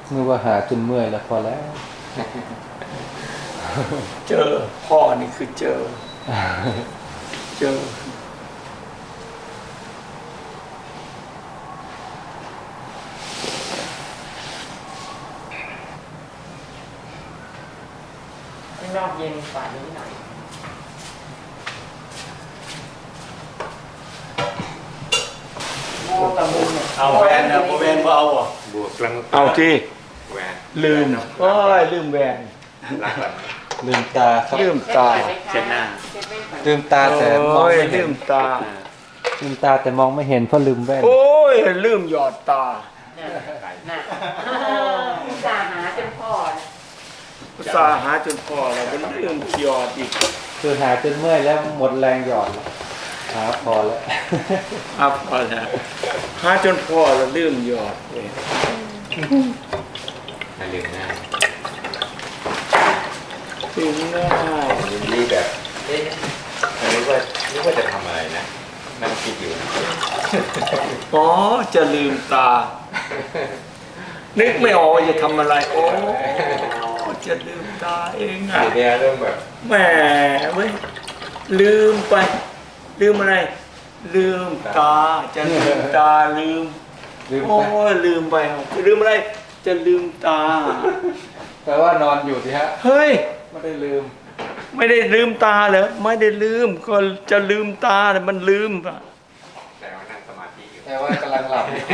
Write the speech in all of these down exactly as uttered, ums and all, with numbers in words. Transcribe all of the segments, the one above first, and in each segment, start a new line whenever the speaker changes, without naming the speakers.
นึกว่าหาจนเมื่อยแล้วพอแล้ว
เจอพ่อนี่คือเจอเจอ
ข้างนอกเย็นกว่านี้หน่อยโม่กับมุมเนี่ย
เอาแวนนะโมแวนเอาอ่ะ
บวกกลาง
เอาที่
แหวน
ลืมโอ้ยลืมแวน
รักแบบ
ลืมตาครับ
ลืมตา
เช็ดหน้า
ลืมตาแต่มอง
โอ้ย
ไม่เห็
ลื
น
มตา
ลืมตาแต่มองไม่เห็นเพราะลืมแว่น
โอ้ยลืมหยอดตา
น่ะอุตส่าห์หาจนพอ
อุตส่าห์หาจนพอแล้วมันลืมหยอดอีก
คือหาจนเมื่อยแล้วหมดแรงหยอดแล้วหาพอแล้ว
อัพพอแล้วหาจนพอแล้วลืมหยอดเลย
ให้ลืมหน้า
ลืมง่าย
ยินดีแบบเอ๊ะนึกว่านึกว่าจะทำอะไรนะนั่งคิดอยู่
อ๋อจะลืมตา นึกไม่ออกว่าจะทำอะไรโอ้จะลืมตาเองอ่ะ
ทีเนี้ยเริ่มแบบ
แหมเว้ยลืมไป ลืมอะไร ลืมตา จะลืมตาลืม
ลืม
โอ้
ไป
ยลืมไปลืมอะไร จะลืมตา
แปลว่านอนอยู่สิฮะ
เฮ้ย
ไม่ได้ลืม
ไม่ได้ลืมตาเหรอไม่ได้ลืมก็จะลืมตาแต่มันลืมอะ
แต่ว่านั่งสมาธิอยู่
แปลว่ากำลังหลับอยู่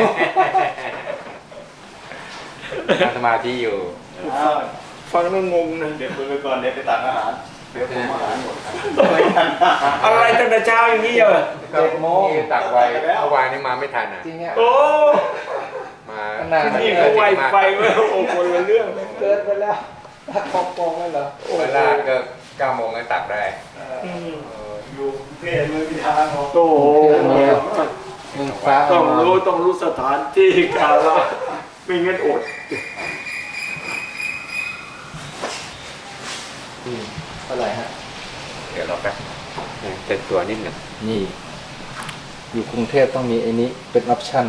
นั่งสมาธิอยู่
ฟังแล้วงงนะ
เดี๋ยวคุยไปก่อนเดี๋ยวไปตักอาหารเดี๋ยวผมอาหารหมดครับ
อะไรตั้งแต่เช้าอย่างนี้เหรอ
เจ็ดโมง
นี่ตักไวเมื่อวานนี้มาไม่ทันอ่ะ
จริงอ่ะ
โอ้
มา
ขนาด
นี่เขาไวไฟเว้ยโอ้คนละเรื่องเลย
เกินไปแล้วตักปองปองเลยเหรอ
เวลาก็เก้าโมงก็ตักได้
อืม
อยู่เพศมือพิธางของ
โอ้โห
มึงฟ้า
ต้อง
เามา
รู้ต้องรู้สถานที่กาลไม่งั้นอด
อืมเท่าไหร่ฮะ
เดี๋ยวเราแป๊บเซ็ตตัวนิดหนึ่ง
นี่ อยู่กรุงเทพต้องมีไอ้นี้เป็นออปชั่น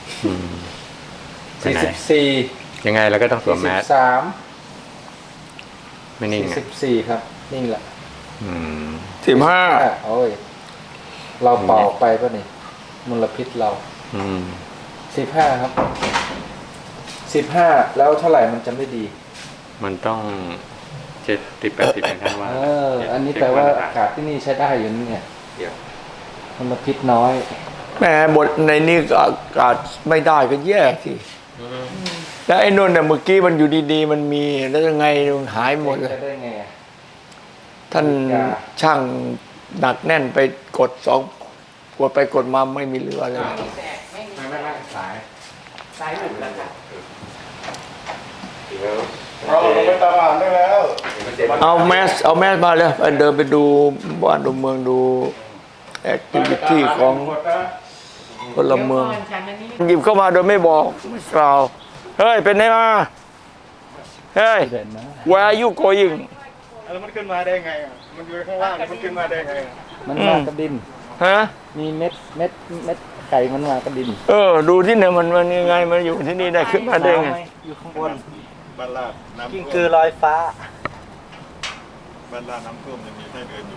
สี่สิบสี่
ยังไงเราก็ต้องสวมแมส
สาม
ไม่นิ่ง
สี่
อ่ะ
สิบสี่ครับ นิ่งแหละ
อืม
สิบห้า
อ่ะโอ้ย เราเป่าไปป่ะนี่มลพิษเรา
อืม
สิบห้าครับสิบห้าแล้วเท่าไหร่มันจะไม่ดี
มันต้องเจ็ดสิบแปดสิบอย่างท่านว่า
เออ อันนี้แปลว่าอากาศที่นี่ใช้ได้อยู่นี่ไง
เดี๋ยว
มลพิษน้อย
แหมบทในนี้ก็อากาศไม่ได้ก็แย่สิแล้วไอ้นนท์เนี่ยเมื่อกี้มันอยู่ดีๆ มันมีแล้วยังไงมันหายหมดเลย
จะได้ไงอ่ะ
ท่านช่างหนักแน่นไปกดสองกดไปกดมาไม่มีเหลือเลย
ไม่แตกไม่มี
ไม่ไม่ไม่สาย
สายหลุดแล้วค่ะ
เดี๋ยว
เราลงไปตักอาหารได้แล้ว
เอาแมสเอาแมสมาเลยไปเดินไปดูบ้านดูเมืองดูแอคทิวิตี้ของ
หมดนะ
พลเมือง
ดี๋ยวก่นฉันอันนี้
หยิบเข้ามาโดยไม่บอกไม่กล่าวเฮ้ยเป็นไงมาเฮ้ย
เด่นนะ
where are you going
แล้วมันขึ้นมาได้ไงอ่ะมันอยู่ข้างล่างมันขึ้นมาได้ไงอ่ะ
มันมากระดิน
ฮะ
มีเม็ดเม็ดเม็ดไก่มันมากระดิน
เออดูที่เนี่ยมันมันยังไงมันอยู่ที่นี่ได้ขึ้นมาได้ไง
อยู่ข้างบน
บ้านลาดน้ำ
กิ้ง
ท่วม
กือลอยฟ้า
บ้านลาดน้ำท่วมยังมีไส้เดือนอยู่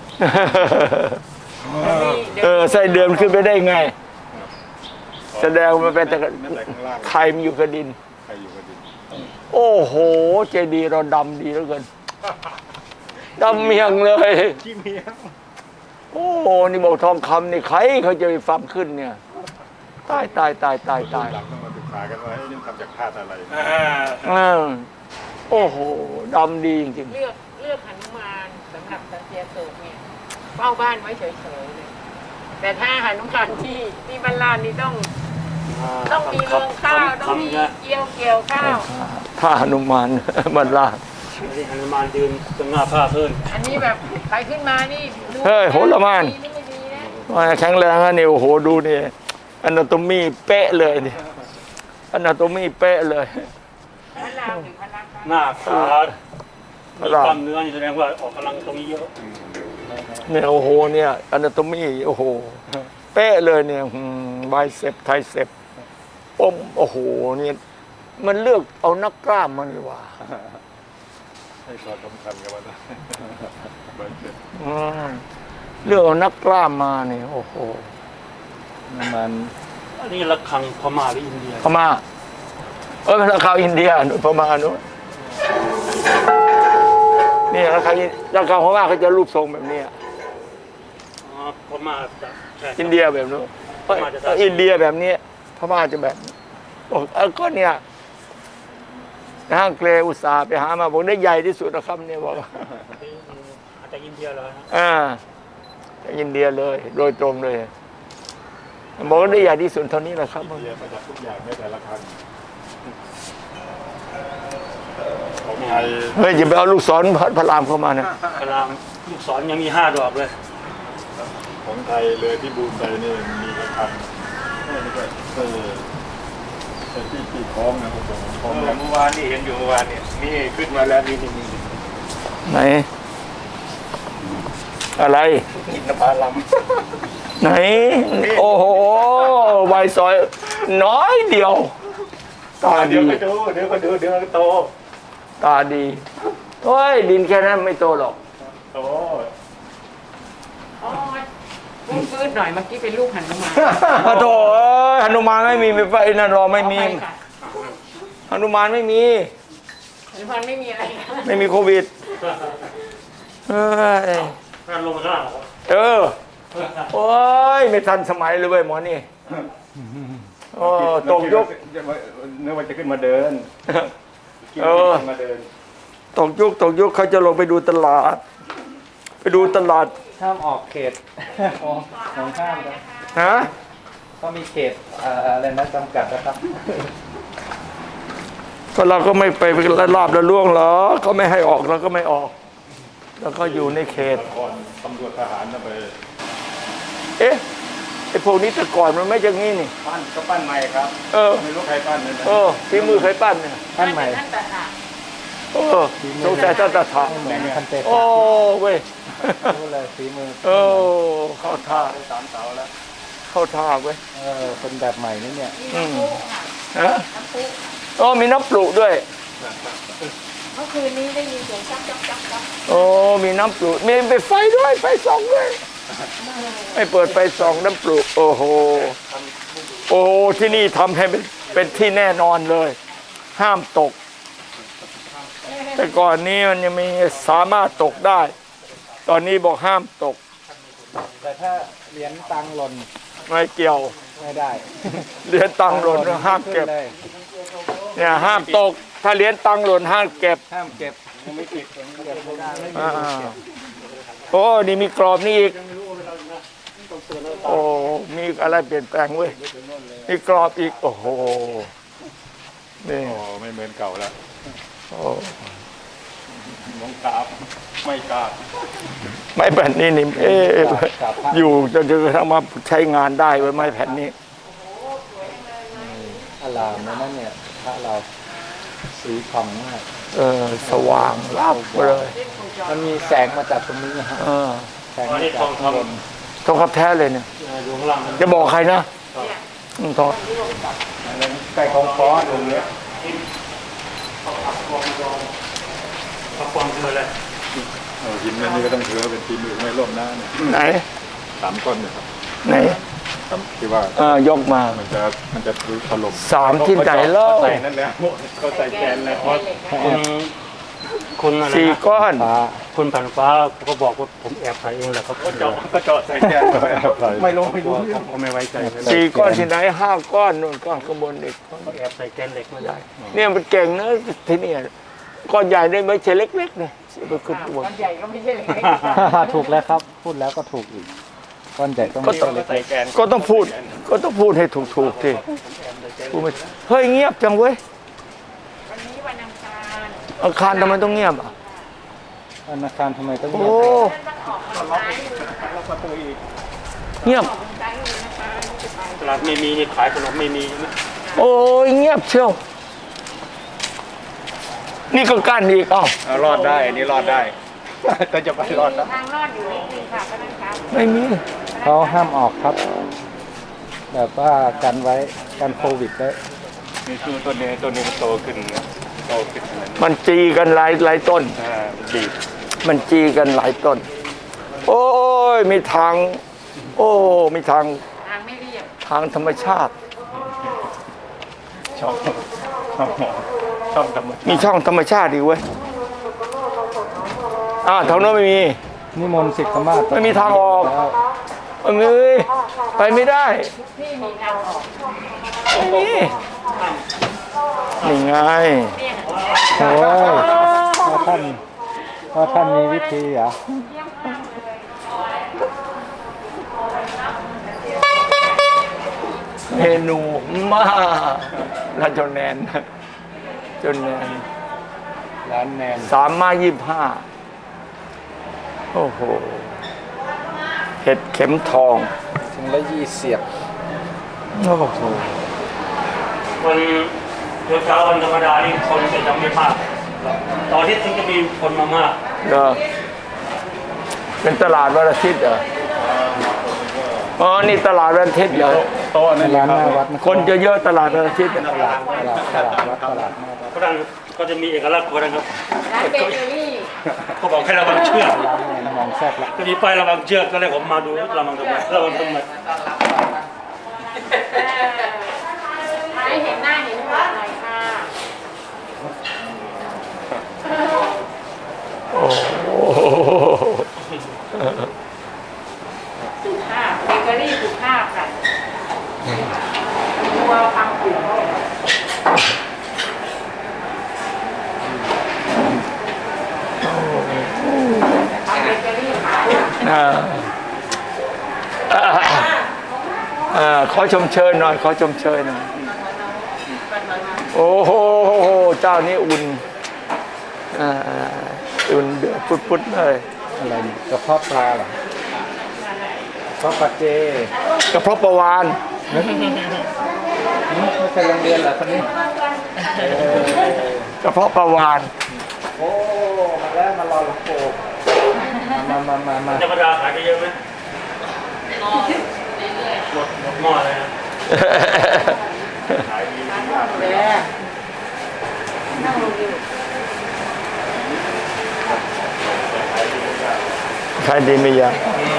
เออไส้เดือนขึ้นไปได้ไง แสดงว่ามันเป็นแต่
แต่ข้างล่าง
ใครมันอยู่กระดิน
ใครอยู่กันดิน
โอ้โหเจดีย์เราดำดีเหลือเกินดำเมียงเลย
ขี้เมีย
โอ้โหนี่บอกทองคำนี่ใครเขาจะไปฟังขึ้นเนี่ยตายตายตายตายตาย
หลังต้องมาศึกษากันว่าไอ้นี่ทำจากธาตุอะไร
เออโอ้โหดำดีจริง
เลือกเลือกหนุมานสำหรับตะเกียโศกเนี่ยเฝ้าบ้านไว้เฉยๆเลยแต่ถ้าหนุมานที่ที่บ้านลาดนี่ต้อง ต้องมีเรื่องข้าวต้องมีเกี่ยวเกี่ยวข้าว
ๆท่าหนุมานบรรลาด
นี่ฮนุมานยืนตรงหน้าผ้าเพิ่น
อันนี้แบบใครขึ้นมานี่ดู
เฮ้ยโหระมาน
ดีไม่ดีนะ
ว่าแข็งแรงอะนี่โอ้โหดูนี่อนาโตมีเป๊ะเลยนี่อนาโตมีเป๊ะเลย
พระรามหรือพระรัก
หน้าขา
พระ
มี
ราม
กล้ามเนื้อนี่แสดงว่าออกกำลังตรงนี้เยอะ
เนี่ยโอ้โหเนี่ยอนาโตมีโอ้โหเป๊ะเลยเนี่ยไบเซปไทเซปอมโอ้โหนี่มันเลือกเอานักกล้ามมันดีกว่า
ให้ความสำคัญกับมันนะเบอร์เจ็ด
อืมเลือกเอานักกล้ามมาเนี่ยโอ้โห
น้ำมัน
อันนี้ระฆังพม่าหรืออินเดีย
พม่าเออราคาอินเดียนู่นพม่านู้นนี่ราคาราคาพม่าเขาจะรูปทรงแบบนี้
อ๋อพม่าจะใช่
อินเดียแบบนู้นเอ้ยเอ้ยอินเดียแบบนี้พม่าจะแบบนี้บอกเออก็เนี่ยห้างเกรอุตสาห์ไปหามาบอกได้ใหญ่ที่สุดนะครับเนี่ยบอก
อาจจะอินเดียเลยนะ
อ่าจากอินเดียเลย โดยตรงเลยบอกว่าได้ใหญ่ที่สุดเท่านี้แหละครับ
เดียประดับทุกอย่างไม่แต่ละคันของไทย
เฮ้ยอย่าไปเอาลูกศรพระรามเข้ามานะ
กลามลูกศรยังมีห้าดอกเลย
ของไทยเลยที่บูมไปนี่มีละคันนี่ก็เออแต่ที่ที่คล้องนะผมบอกคล้องเมื่อวานนี่เห็นอยู่เมื่อวานเนี่ยนี่ขึ้นมาแล้วนี่นี่นี่
ไหน อะไร
กินน้ำปลาล
ไหน โอ้โหใบซอย น้อยเดียว ตา
ำเดี๋
ดี
ยวก็ดูเดี๋ยวก็ดูเดี๋ยวก็โต
ตาดีโอ้ยดินแค่นั้นไม่โตหรอก
โต
อ๋อฟื้นฟื้นหน่อยเมื่อกี้เป็นลูกหันมา
พระโถเอ้ยหนุมานไม่มีไม่ไฟนั่นรอไม่มี
เอาปค่ะ
หนุมานไม่มี
หรือมันไม่มีอะไรนะ
ไม่มีโควิดเอ้ย
งานลงมาข้างล่างเหรอ
เออโอ้ยไม่ทันสมัยเลยเว้ยหมอนี่โอ้ตกยุค
นึกว่าจะขึ้นมาเดิน
เออ
ขึ้นมาเดิน
ตกยุคตกยุคเขาจะลงไปดูตลาด ไปดูตลาด
ห้ามออกเขต ของของห้ามนะ
ฮะ
ก็มีเขตเอ่ออะไรนะจำกัดนะครับ
ก็เราก็ไม่ไปลาบละล่วงหรอกเขาไม่ให้ออกเราก็ไม่ออก แล้วก็อยู่ในเขต
ก่อนตำรวจทหารนะไป
เอ๊ะไอ้พวกนี้แต่ก่อนมันไม่อย่างนี้นี่
ปั้นก็ปั้นใหม่ครับ
เออ
ไม่รู้ใครปั้นเลยนะ
เออฝีมือใครปั้นเนี่ย
ท่านใหม่
ท่านตาค่ะ
เออสงสัยท่านตาถา
เหมือนคันเตะ
โอ้เว้ย
รู้เลยฝีมือ
เออเข้าท่า
สามเสาแล้ว
เข้าท่าเว้ย
เออเป็นแบบใหม่นี่เนี่ย
มีน้ำพุค่ะ
ฮะ
น้ำพุ
อ๋อมีน้ำปลุกด้วย
เมื่อคืนนี้ได้ยินเสียงจักจักจักจัก
โอ้มีน้ำปลุกมีไปไฟด้วยไฟส่องด้วยไม่เปิดไฟส่องน้ำปลุกโอ้โหโอ้โหที่นี่ทำให้เป็นเป็นที่แน่นอนเลย ห้ามตก แต่ก่อนนี้มันยังมีสามารถตกได้ ตอนนี้บอกห้ามตก
แต่ถ้าเหรียญตังค์หล่น
ไม่เกี่ยว
ไม่ได้
เหรียญตังค์หล่นห้ามเก็บ
ขึ้นเลย
เนี่ยห้ามตก ถ้าเหรียญตังค์หล่นห้ามเก็บ
ห้ามเก็บยังไม่ติดเก็บไม่ได้ไม่มี
อ่าโอ้นี่มีกรอบนี่อีกโอ้มีอะไรเปลี่ยนแปลงเว้ยมีกรอบอีกโอ้โหนี่
โอ้ไม่เหมือนเก่าแล้ว
โอ้
น้องกราบไม่กราบ
ไม้แผ่นนี้นี่เอ๊ะอยู่จนจนกระทั่งมาใช้งานได้ไว้ไม้แผ่นนี้
อลามเลยนั่นเนี่ยพระเราสีผ่องมาก
เออสว่างรับเลย
มันมีแสงมาจากตรงนี้นะฮะ
เออ
แสงมาจากข้างบน
ทองคำแท้เลยเนี่ย
อยู่ข้างล่างมัน
จะบอกใครนะ
เนี่ย
อืมทอง
ใกล้ของฟ้อตรงเนี้ย
พักความคืออะไร
เออหินอันนี้ก็ต้องถือว่าเป็นทีมือไม่ร่วมหน้าเนี่ย
ไหน
สามก้อนเนี่ยครับ
ไหน
ที่ว่า
เออยกมา
มันจะมันจะถล่ม
สามที่ไหนแล้ว
เขาใส่นั่นแหละเขาใส่แกนแล้ว
คุณคุณอะไร
สี่
นะ
ก้อน
ฟ้า
คุณผ่านฟ้าก็บอกว่าผมแอบถ่ายเองแหละครับ
ก็เจาะก็เจาะใส่แกนไม่รู้ไม่รู้
ผมก็ไม่ไว้ใจเลย
สี่ก้อนที่ไหนห้าก้อนนู่นก้อนข้างบนอีก
ก็แอบใส่แกนเหล็กมาได้
เนี่ยมันเก่งนะที่เนี่ยก้อนใหญ่ได้ไม่ใช่เล็กๆเนี่ยไปขึ้นข้างบน
ก้อนใหญ่ก็ไม่ใช่เล็ก
ถูกแล้วครับ พูดแล้วก็ถูกอีกก้อนใหญ่ต้อง
ก็
ไม่
ต้อง
ใช่เล็ก
ใส่แกน
ก็ต้องพูด ก็ต้องพูดให้ถูกๆที่พูดไม่เฮ้ยเงียบจังเว้ย
ๆวันนี้วันอังคาร
อาคารทำไมต้องเงียบอ่ะ
ธนาคารทำไมต้อง
โอ้
เงียบ
ท่านต้องออกทางซ้ายมือ
เงียบ
ออกทางซ้ายมือนะคะนี่จะไป
ตลาดไม่มีนี่ขายขนมไม่มีใช่ไหม
โอ้ยเงียบเชียวนี่ก็กั้นอีกเอ้า
เอารอดได้อันนี้รอดได้ ก็จะไปรอด
มี
แล้ว
ทางรอดอยู่นิดนึงค่ะพนักงาน
ไม่มี
เขาห้ามออกครับ แบบว่ากันไว้กันโควิดไว้
มีตู้ต้นนี้ต้นนี้มันโตขึ้นนะโตขึ้นอะไรนะ
มันจีกันหลายหลายต้น
อ่ามันดีด
มันจีกันหลายต้น โอ้ยมีทาง โอ้มีทาง
ทางไม่เรียบ
ทางธรรมชาติ
ชอบชอบชอบธรรมชาติ
มีช่องธรรมชาติดีเว้ยอ่าทางโน้นไม่มี
นิมนต์สิกขมาศ
ไม่มีทางออก
แล้ว
ไม่มีไปไม่ได้
ที่มีทางออก
ไม่มีนี่ไง
เนี่ย
โอ้ยว่าท่านว่าท่านมีวิธีเหรอ
เมนูมาแล้วจนแนนจนแนน
ร้านแนน
สามมายี่ห้าโอ้โห เห็ดเข็มทอง
ถึงละยี่เสียบ
โอ้โห
วันเช้าวันธรรมดานี่คนจะยังไม่มาก ตอนที่ถึงจะมีคนมามาก
เด้อเป็นตลาดวันอาทิตย์เหรออ๋อ นี่ตลาดวันอาทิตย์เหรอ
โต๊ะนั่น
ร้าน
ค
ห
รับ
น้าวัด
คนจะเยอะตลาดวันอาทิตย์
ตลาดตลาดตลาดวัดตลาดหน้าวัด
ฝรั่งก็จะมีเอกลักษณ์ของเขาครับ
ร้านเบเกอรี่
เขาบอกให้ระวังเชือก
ร้านแนนมองแซ่บละ
จะมีป้ายระวังเชือกก็เลยผมมาดูระวังทำไมระวังทำไม
ให้เห็นหน้าเห็นหัวหน่อยค่ะ
โอ้โห
สุภาพเบเกอรี่สุภาพค่ะตัวฟังผิวทำเบเกอรี่ขาย
อ่าอ่าอ่าขอชมเชยหน่อย ขอชมเชยหน่อย โอ้โห เจ้านี้อุ่นอ่าอุ่นเดือดปุดๆเลย
อะไรนี่กระเพาะปลาเหรอกระเพาะปลาเจ
กระเพาะปลาวาน
ไม่เคยโรงเรียนเหรอคนนี้เออก
ระเพาะปลาวาน
โอ้มาแล้วมารอหลวงปู่มามามามา
ธรรมดาขายไปเยอะไหมหมดหมดหม้อเลยนะ
แล้วนั่งลงอยู่
ขายดีไม่ยาก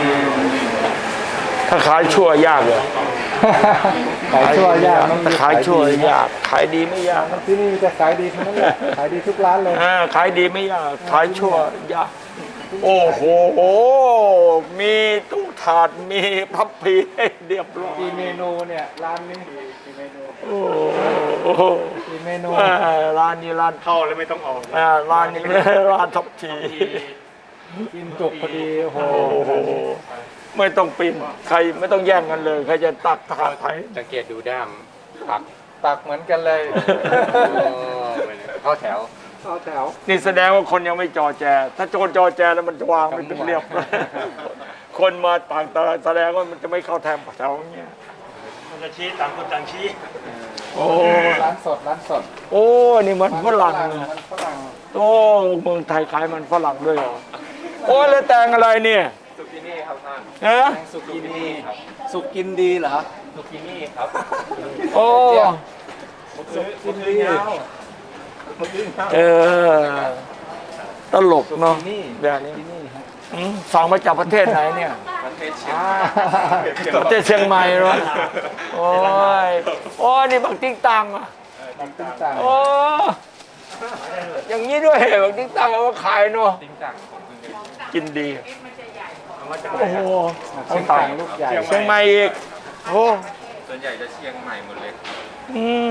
ถ้าขายชั่วยากเลย
ขายชั่วยากมันมี
ถ้าขายชั่วยาก ขายดีไม่ยาก
ที่นี่จะขายดีทั้งนั้นเลยขายดีทุกร้านเลย
อ่าขายดีไม่ยาก ขายชั่วยาก โอ้โห มีตู้ถาด มีพับพีให้เรียบร้อย
กี่เมนูเนี่ยร้านนี้
โอ้โห
กี่เมนู
อ่าร้านนี้ร้าน
เข้าแล้วไม่ต้องออก
อ่าร้านนี้ร้านทับที
กินจุกพอดีโอ้โห
โอ้โห ไม่ต้องปีนใครไม่ต้องแย่งกันเลย ใครจะตักถาดไทย
สังเกตดูด้ามผัก
ตักเหมือนกันเลย
เข้าแถว
เอาแถว
นี่แสดงว่าคนยังไม่จอแจ ถ้าโจรจอแจแล้วมันจะวางไม่เป็นเรียบ คนมาต่างตาแสดงว่ามันจะไม่เข้าแถวแถวอย่างเงี้ย
มันจะชี้ต่างคนต่างชี้
โอ้
ร้านสดร้านสด
โอ้นี่มันฝรั่ง
มันฝรั่ง
โอ้เมืองไทยขายมันฝรั่งด้วยเหรอโอ้แล้วแตงอะไรเนี่ย
สุกินี่ครับท่าน
ฮะ
แตงสุกินีสุกินดีเหรอ
สุกินี่ครับ
โอ้
สุกินี
เออตลกเนาะ
นี่
แบบนี้
ที่นี่ฮะ
อืมสั่งมาจากประเทศไหนเนี่ย
ประเทศเชียง
อ่า
ประเทศเชียงใหม่เหรอโอ้ยโอ้ยนี่บักติ๊กตังอ่ะ
มันติ้งต่าง
โอ้อย่างนี้ด้วยบักติ๊กตังเอามาขายเนาะ
ติ้งจังผมเพิ่งได้
กินดี
เอามาจาก
โอ้โห
ติ้งต่างลูกใหญ่
เชียงใหม่อีกโอ้
ส่วนใหญ่จะเชียงใหม่หมดเลย
อืม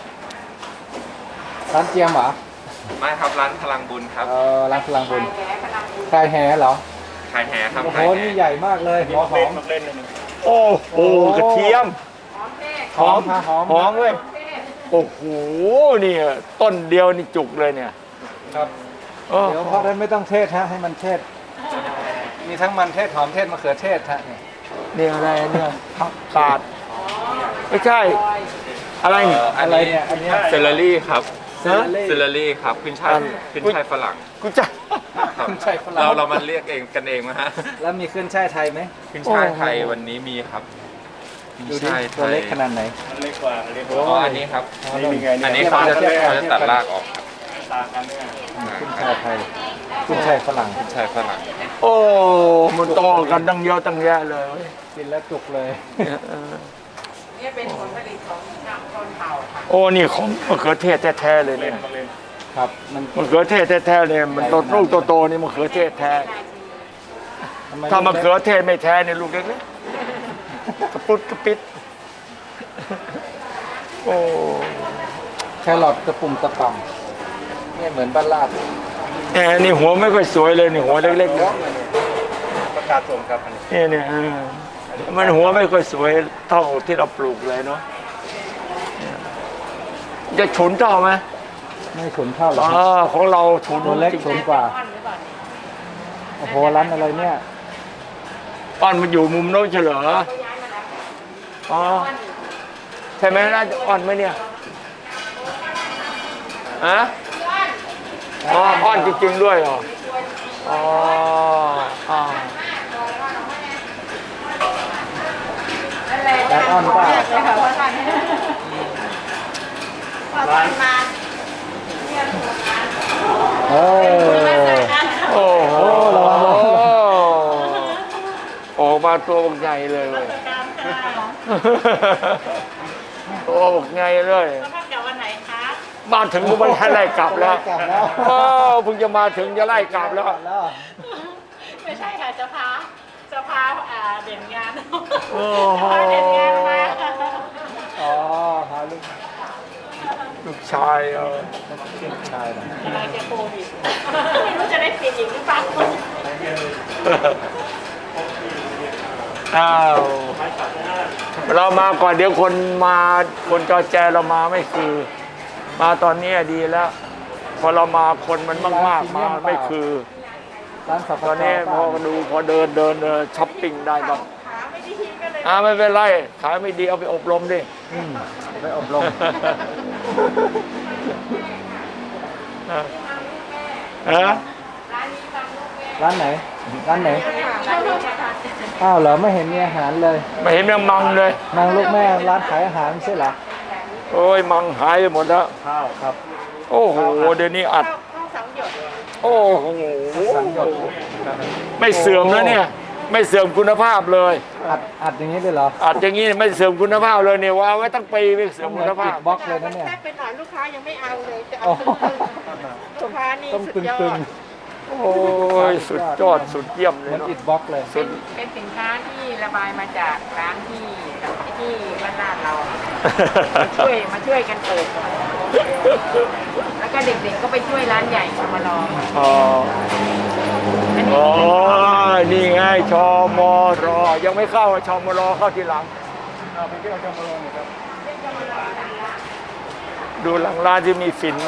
ร้านเจียมเหรอ
ไม่ครับร้านพลังบุญครับ
เออร้านพลังบุญ
แหพลังบุญ
คลายแหเหรอ
ขายแหครับ
โอ้โห
ขายแห
นี่ใหญ่มากเลยหัวหอม
เล่นเลย
โอ้โหกระเทียม
หอมแม่
หอมค่ะหอม
หอมเว้ย
แม่
โอ้โหนี่ต้นเดียวนี่จุกเลยเนี่ย
ครับ
โอ้
เดี๋ยวเพราะนั้นไม่ต้องเทศฮะให้มันเทศ มีทั้งมันเทศหอมเทศมะเขือเทศฮะเนี่ย
นี่อะไรเนี่ยผักกาดไม่ใช่ อะไรเนี่ย
อะไรเนี่ยอันเนี้ย
เซลลารี่ครับ
ฮะ
เซลลารี่ครับขึ้นช่าย
อัน
ขึ้นช่ายฝรั่ง
กูจะ
ครับ
ขึ้นช่ายฝรั่ง
เราเรามันเรียกเองกันเองนะฮะ
แล้วมีขึ้นช่ายไทยไหม
ขึ้นช่ายไทยวันนี้มีครับ
ดูดิตัวเล็กขนาดไหน
มันเล็กกว่าเล็กก
โอ้
ว่า
อ๋ออันนี้ครับ
นี่มีไง
อันนี้
เนี่ย
เขาจะ
ต่างกัน
เขาจะตัดรากออกครับ
ต่างกันเนี่ย
ขึ้นชายไทยขึ้นชายฝรั่ง
ใช่ฝรั่ง
โอ้มันโตกันตั้งเยอะตั้งแยะเลยเว้ย
กินแล้วจุกเลย
เนี่ยเป็นผลผลิตของชาวชนเผ่าค่ะ
โอ้นี่ของมะเขือเทศแท้ๆเลยเนี่ย
ครับมัน
มะเขือเทศแท้ๆเลยมันโตลูกโตๆนี่มะเขือเทศแท้
ทำไ
ถ้ามะเขือเทศไม่แท้เนี่ยลูกเล็กๆกระปุดกระปิดโอ้
แครอทกระปุ่มตะป่ำเนี่ยเหมือนบ้านลาด
แหมนี่หัวไม่ค่อยสวยเลยนี่หัวเล็กๆเนี่ย
ประกาศส่งครับอันนี้
เนี่ยเนี่ยเออมันหัวไม่ค่อยสวยเท่าที่เราปลูกเลยเนาะจะฉุนเท่าไหม
ไม่ฉุนเท่าหรอก
อ๋อของเราฉุน
ตัวเล็กฉุนกว่า
อ้อนหรือเปล่าเนี่ย
โอ้โหร้านอะไรเนี่ย
อ้อนมันอยู่มุมโน้นเฉลออ๋อใช่ไหมน่าจะอ้อนไหมเนี่ยฮะอ๋ออ้อนจริงๆด้วยเหรออ๋ออ๋อ
นั่นแหละ
ร้านอ้อนเปล่า
เลยค่ะว่าท่านพอท่านมา
เออ
โอ้โห
ระวังระวัง
ออกมาตัวบักใหญ่เลยเว้ยตัวบักใหญ่เลย
ท่านกลับวันไหนคะ
มาถึงก็ไม่ให้ไล่กลับแล้ว
กลับแล้ว
โอ้เพิ่งจะมาถึงจะไล่กลับแล้ว
แล้ว
ไม่ใช่ค่ะจะพาจะพาอ่าเด่นงาน
โอ้โห
พาเด่นงานมา
อ๋อพาลูก
ลูกชายเออ
ลูกชายเหรอก
ำลังจะโควิดไม่รู้จะได้ปิดอีกหรือเปล่า
อ้าวเรามาก่อนเดี๋ยวคนมาคนจอแจเรามาไม่คือ มาตอนนี้ดีแล้ว พอเรามาคนมันมากๆมาไม่คือ
ร้านสับ
ต
ปะ
อน
ร
นี้
ด
พอดูพอเดินเดินเดินช้อปปิ้งได้บ้าง
ขาไม่ดีก็เลย
อ่าไม่เป็นไรขายไม่ดีเอาไปอบรมดิ
อืมไปอบรม
ฮะ
ร้านไหน ร้านไหน อ้าวเหรอไม่เห็นมีอาหารเลย
ไม่เห็นยังมังเลย
นางลูกแม่ร้านขายอาหารไม่ใช่เหรอ
โอ้ยมังหายไปหมดแล้ว
ข้าวครับ
โอ้โหเดี๋ยวนี้อัด
เข้าสังหยด
โอ้โห
สังหยด
ไม่เสื่อมแล้วเนี่ย ไม่เสื่อมคุณภาพเลย
อัดอัดอย่างนี้เลยเหรอ
อัดอย่างนี้ไม่เสื่อมคุณภาพเลยเนี่ยว่าไว้ตั้งปีไม่เสื่อม
เหมื
คุ
อน
ณ
ปิ
ภา
ด
พ
บล็อกเลยนะเนี่ย
แค่เป็นหน่อยลูกค้ายังไม่เอาเลยจะ
โอ้
เอาลูกค้านี่
ต้อง
สุด
ตึง
ยอ
ตึง
ด
โอ้ยสุดยอดสุดเยี่ยม
เห
เล
มื
ย
อน
เนาะ
อิดบล็อกเลย
เป็นเป็นสินค้าที่ระบายมาจากร้านที่ที่บ้านลาดเรา มาช่วยมาช่วยกันเปิดแล้วก็เด็กๆก็ไปช่วยร้านใหญ่มาลอง
อ๋อ
อันนี้
อ๋อนี่ไงชมรยังไม่เข้าชมรเข้าทีหลัง
เอาไปเที่ยวชมรมครับ
ดูหลังร้านที่มีฝิ่นไหม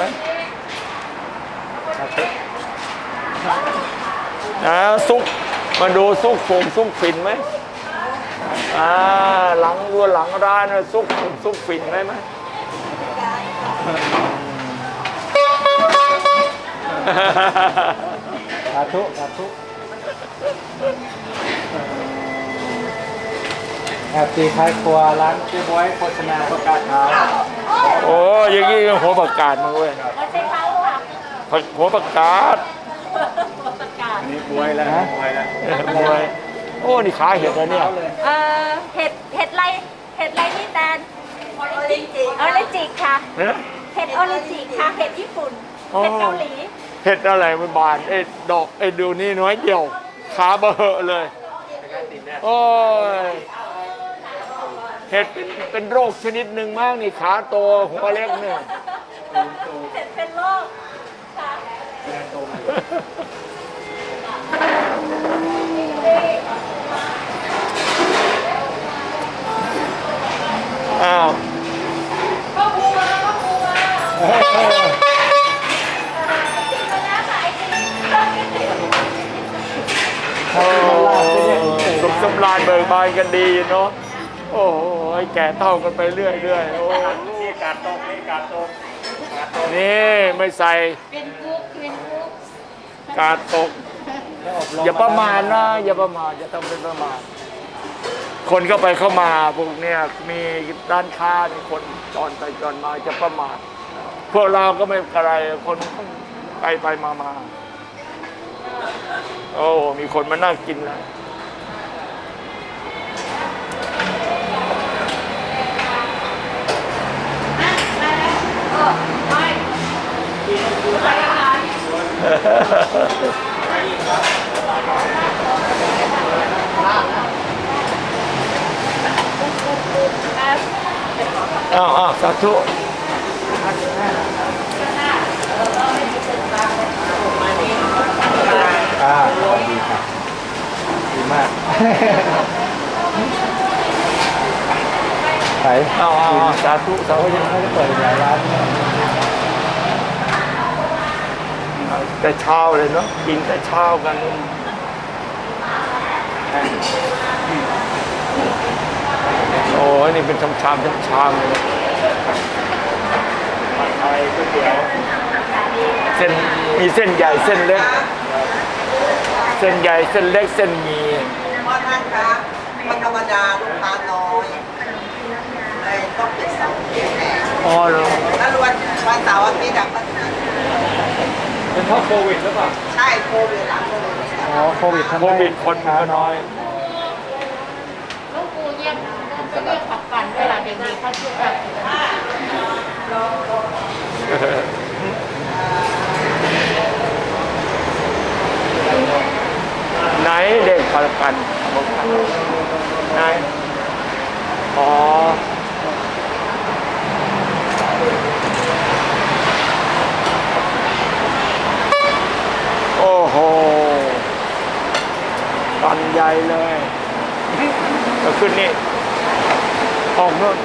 นะซุกมาดูซุกฝงซุกฝิ่นไหมอ่าหลังดูหลังร้านน่ะซุกฝงซุกฝิ่นไหมไหม
สาธุสาธุแอบตีท้ายครัวร้านเจ๊บอยโภชนาประกาศขาว
โอ้ยอย่างนี้หัวประกาศมาเว้ย
ไม่ใช่เขาค่ะ
หัวประกาศ
ประกาศ
อันนี้บวยแล้วบวยแล้ว
มวยโอ้นี่ขาเห็ดแล้วเนี่ย
เอ่อเห็ดเห็ดไรเห็ดไรนี่แตนออริจิออริจิค่ะ
เอ๊ะ
เห็ดออริจิค่ะเห็ดญี่ปุ่น
อ๋อ
เห็ดเกาหลี
เห็ดอะไรมันบานไอ้ดอกไอ้ดูนี่น้อยเดียวขาเบอะเลยโอ้ยเห็ดเป็นเป็นโรคชนิดหนึ่งมากนี่ขาโตหัวเล็กเนี่ย
เห็ดเป็นโรคค่ะ
อ้าว โอ้สุขสำราญเบิกบานกันดีเนาะโอ้โหแก่เท่ากันไปเรื่อยเรื่อยๆโอ้
นี่การตกนี่การตก
นี่ไม่ใส่
เป็นกุ๊กเป็นกุ๊ก
กาดตก อย่าประมาทนะ อย่าประมาทอย่าต้องเป็นประมาทคนเข้าไปเข้ามาพวกเนี้ยมีร้านค้ามีคนจอนไปจอนมาจะประมาทพวกเราก็ไม่อะไรคนไปไปมามาโอ้มีคนมานั่งกินแล้วอ้าวอ้าวสาธุ
อ่าดีครับดีมากไหน
อ้าวอ้าวสาธุสา
เขา
ธุ
ยังไม่ได้เปิดหลายร้านเนี่ย
แต่เช้าเลยเนาะกินแต่เช้ากันโอ้ยนี่เป็นชามชามชามชามเลยผัดไทยก๋วยเตี๋ยวเส้นมีเส้นใหญ่เส้นเล็กเส้นใหญ่เส้นเล็กเส้นหมี่
พ่อท่านคะมันธรรมดาลูกค้าน้อยเลยต้องเป็นเสาร์อาทิตย์แทน
อ๋อเหรอ
แล้ววันวันเสาร์อาทิตย์อะก็
เป็นเพราะโควิดหรือเปล่า
ใช่โควิดหลังโควิด
อ๋อโควิดทำ
โค
ให้
วิดคน
ค้า
ก็
น้
น้
อ
อย ย
ลูกปูเยี่ยมก็เรียกผักปั่นด้วยล่ะเด็กๆเขาชื่อผัก
ไหนเด็กพลกันไหนอ๋อโอ้โหปันใหญ่เลยก็ขึ้นนี่ออกนู่น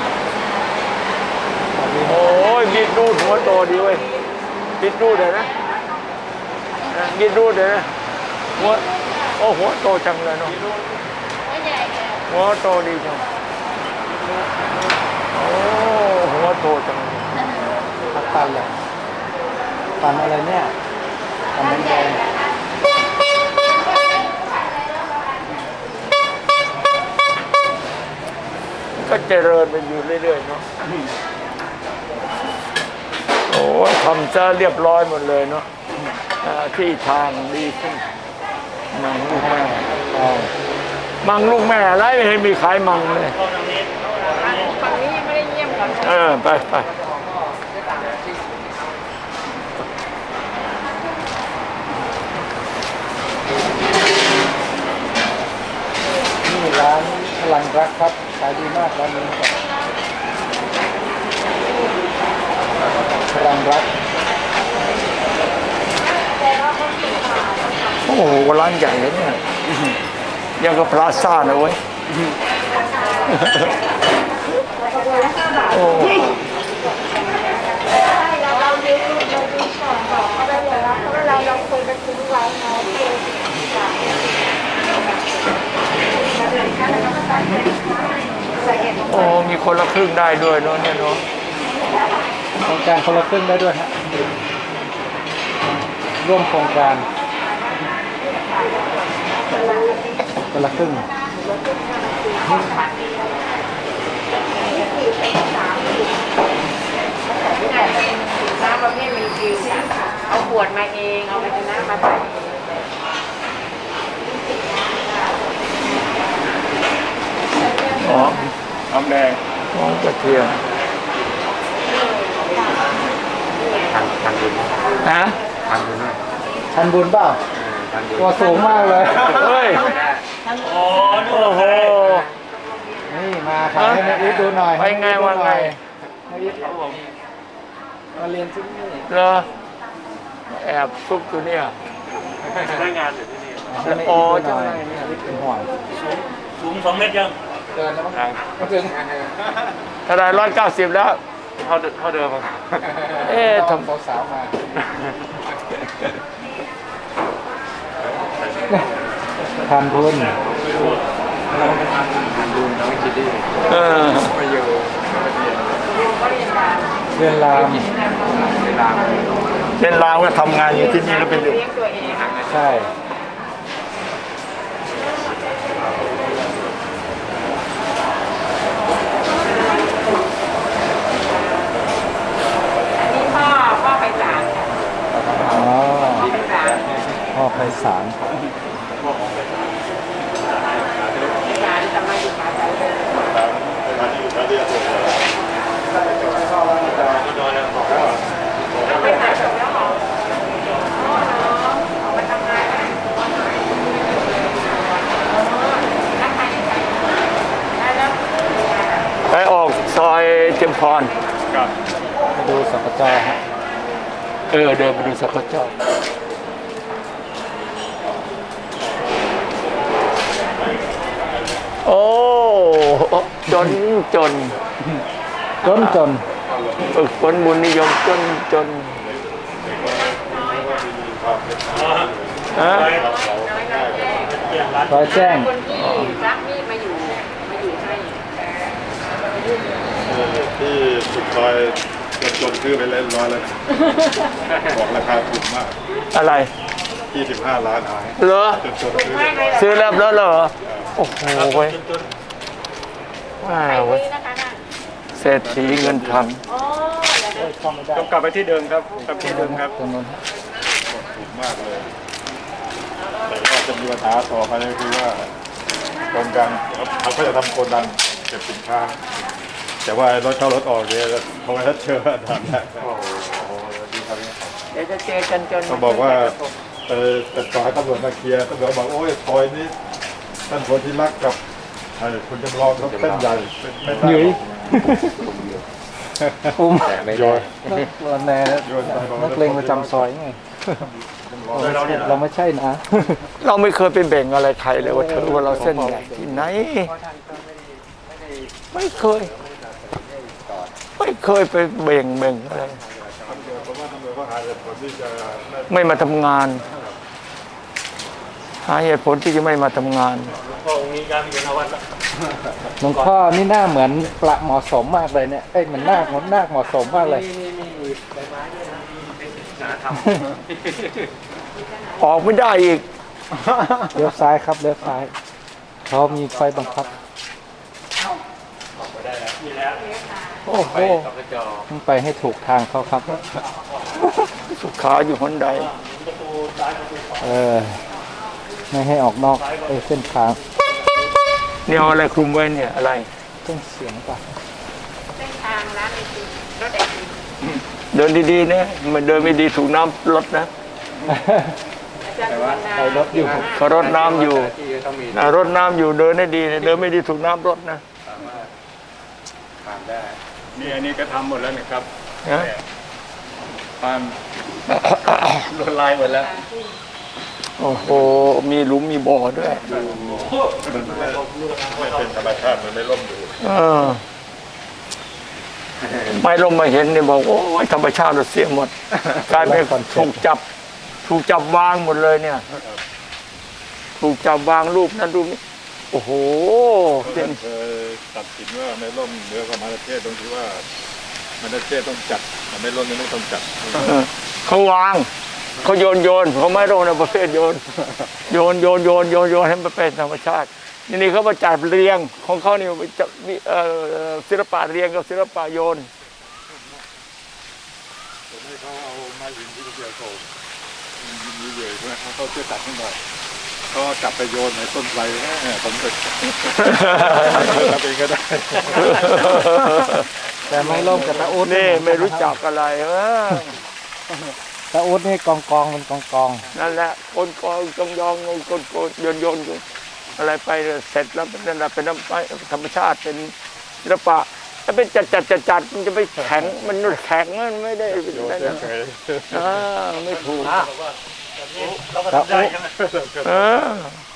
โอ้ยบิดรูดหัวโตดีเว้ยบิดรูดเลยนะบิดรูดเลยนะหัวโอ้หัวโตจังเลยเนาะหัวโตดีจังโอ้หัวโตจังเลย
ผักปันเลยปันอะไรเนี่ยปันน้ำแดง
ก็เจริญไปอยู่เรื่อยๆเนาะโอ้ทำจะเรียบร้อยหมดเลยเนาะอ่าที่ทางดีขึ้นมังลูกแม่อ๋อมังลูกแม่อะไรไม่เห็นมีขายมังเลย
ฝั่งนี้ยังไม่ได้เยี่ยมกัน
เออไปไป
นี่ร้านพลังรักครับขายดีมากร้านนี้ครับพลังรัก
โอ้โหร้านใหญ่เลยเนี่ยยังกับพลาซ่านะเว้ยโอ้
เราดูเราดูก่อนบอกเขาได้เลยว่าเพราะว่าเราเราคุยกันทุกไลน์เนาะ
โอ้มีคนละครึ่งได้ด้วยเนาะเนี่ยเนาะ
โครงการคนละครึ่งได้ด้วยฮะร่วมโครงการคนละครึ่ง
น้ำประเภทรีฟิลเอาขวดมาเองเอาภาชนะมาใส่เอง
อ๋อ
น้ำแดง
หอมกระเทียม
ทางทางบุญ
ฮะ
ทางบุญนะ
ชันบุญเปล่า
ทางบุญ
ตัวสูงมากเลย
เฮ้ย
โอ้ดู
โอ้โห
นี่มาขายให้แม่อีทดูหน่อย
ไปไงว่าไง
แม่อีทมาเรียนที่นี่
เหรอแอบซุกอยู่เนี่ย
ได้งานอยู่ที่นี่
ให้แม่
อ๋อ
อีทดูหน่อย
จังไรเนี่ย
เป็นห่วง
สูงสองเมตรยัง
เกินแล้วมั้งไม่ถึง
ถ้าได้ร้อยเก้าสิบแล้ว
เท่าเดิมเท่าเดิมอะ
เอ๊ะท
ทำสาวๆมาทานบุญ
ทางบุญน้องคิดดี
ำเออ
ไปอยู่
เรียนราม
เวลา
เป็นลาวก็ทำงานอยู่ที่นี่แล้วเป็นอยู่
เลี้ยงตัวเอง
ใช่ไปสาร
การทำไมอยู่ป่าใจเลย
ร้านที่อยู่ร้านที่ถูกเลย
ไปไหนจบแล้วหรอเอาไปทำงานได้แล้ว
ไปออกซอยเทียมพร
กับ
ไปดูสกจฮะ
เออเดินไปดูสักเจ้าโอ้จนจน
จนจน
ฝึกฝนบุญนิยมจนจนฮะ
ร้อยแจ้ง
คนที่รักนี่มาอยู่มาอยู่ให้
ที่สุดซอยจนซื้อไปเล่นร้อยแล้วบอกราคาถูกมาก
อะไร
ยี่สิบห้าล้านหาย
เหรอ
จนจนซื้อได้ร้อย
ซื้อแล้วแล้วเหรอโอ้โหเว้ยว้า
ไป
วเว้ย
นี่นะคะน่ะ
เศรษฐีเงินพัน
อ๋อแล้วนะ
ต้องกลับไปที่เดิมครับกลับที่เดิมครับ
ตรงนั้น
ถูกมากเลย แต่ว่าจะมีปัญหาต่อไปก็คือว่าโครงการเขาก็จะทำโกดังเก็บสินค้า แต่ว่ารถเข้ารถออกเนี่ยเขาไม่ได้เชื่อทำได้โอ้โหดีครับ
เดี๋ยวจะเจอจนจน
เขาบอกว่าเออแต่ต่อให้ตำรวจมาเคลียร์ตำรวจบอกโอ้ยซอยนี้ท่านคนที่รักกับไอ้คุณจำลองเขาเส้นใหญ่ไม่ได้
หยุยอุ้ม
โยน
นักแนนักเลงประจำซอยไงเราไม่ใช่นะ
เราไม่เคยไปแบ่งอะไรใครเลยว่าเธอว่าเราเส้นใหญ่ที่ไหนไม่เคย ไม่เคยไปแบ่งแบ่งอะไร
เพราะว่าตำรวจเขาหาเหตุผลที่จะ
ไม่มาทำงาน หาเหตุผลที่จะไม่มาทำงาน
พ่อองค์นี้ย้ายมาอยู่นวัดแล้ว
หลวงพ่อนี่หน้าเหมือนประเหมาะสมมากเลยเนี่ยเอ้ยเหมือนหน้าเหมือนหน้าเหมาะสมมากเลย
ออกไม่ได้อีก
เลี้ยวซ้ายครับเลี้ยวซ้ายเขามีไฟบังคับโอ้โหต้องไปให้ถูกทางเขาครับ
สุขาอยู่คนใด
เออไม่ให้ออกนอกไอ้เส้นทาง
เนี่ยเอาอะไรคลุมไว้เนี่ยอะไร
ต้องเสียงป่ะ
เส้นทางร้านไอติมรถไอติม
เดินดีๆนะมันเดินไม่ดีถูกน้ำรถนะ
อาจารย์สุวรรณา
ไปรถอยู่
เขารดน้ำอยู่นะรดน้ำอยู่เดินได้ดีนะเดินไม่ดีถูกน้ำรถนะ
นี่อันนี้ก็ทำหมดแล้วนะครับ
นะ
ความลวดลายหมดแล้ว
โอ้โหมีหลุมมีบ่อด้วย
มันไม่ไม่เป็นธรรมชาติมันไม่ล่มอยู่
เออไม่ลงมาเห็นเนี่ยบอกโอ้ยธรรมชาติเราเสียหมดกลายเป็นถูกจับ ถูกจับวางหมดเลยเนี่ย ถูกจับวางรูปนั้นรูปนี้โอ้โห
เพราะฉะนั้นเคยตัดสินว่าไม่ล่มเหนือกว่ามาเลเซียตรงที่ว่ามาเลเซียต้องจัดแต่ไม่ล่มนี่ไม่ต้องจัด
เออเขาวางเขาโยนโยนเขาไม่ลงในประเภทโยน โยนโยนโยนโยนโยนให้มันเป็นธรรมชาตินี่นี่เขามาจัดเรียงของเขานี่จะมีเอ่อศิลปะเรียงกับศิลปะโยน
ผมให้เขาเอาไม้หินที่เกี่ยวโถมีเหยื่อใช่ไหมเขาช่วยตัดให้หน่อยก็จับไปโยนในต้นไทรแม่ผมจะทำเองก็ได้
แต่ไม่ล่มกับตาอุด
นี่ไม่รู้จักอะไรเออ
ตาอุดนี่กองกองมันกองกอง
นั่นแหละคนกองจงยองคนโกนโยนโยนอะไรไปเสร็จแล้วนั่นแหละเป็นธรรมชาติเป็นศิลปะถ้าเป็นจัดจัดจัดจัดมันจะไปแข็งมันแข็งมันไม่ได้
โยน
ได้
เฉ
นะ
ย
อ่าไม่ถูก
เราก็ทำได้ใช่ไหม
เออ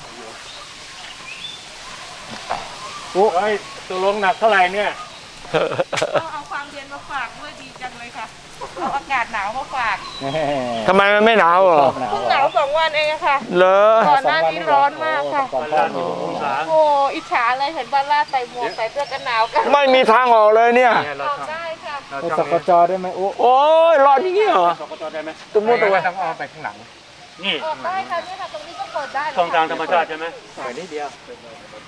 เฮ้ยตัวลงหนักเท่าไหร่เนี่ย
เอาเอาความเย็นมาฝากด้วยดีจังเลยค่ะเอาอากาศหนาวมาฝาก
แหม่
ทำไมมันไม่หนาวเหรอ
หนาว
เพิ่ง
เห
ห
ร
นา
อ
วสองวันเองอะค่ะ
เหรอ
ก่อนหน้านี้ร้อนมากค่ะ
ก่อนหน้านี้
องศา
โอ้อิจฉาเลยเห็นบ้านลาดใส่หมวกใส่เสื้อกันหนาวกัน
ไม่มีทางออกเลยเนี่ย
ออกได้ค่ะ
ไปสกจได้ไหมอุ๊
โอ้ยรอดอย่างนี้เหรอ
สกตได้ไหม
ตุ้มมุดตัวไว้
ต้องเอาไปข้างหลัง นี่
ออกได้ค่ะเนี่ยค่ะตรงนี้ก็เปิดได้
ช่องทางธรรมชาติใช่ไหม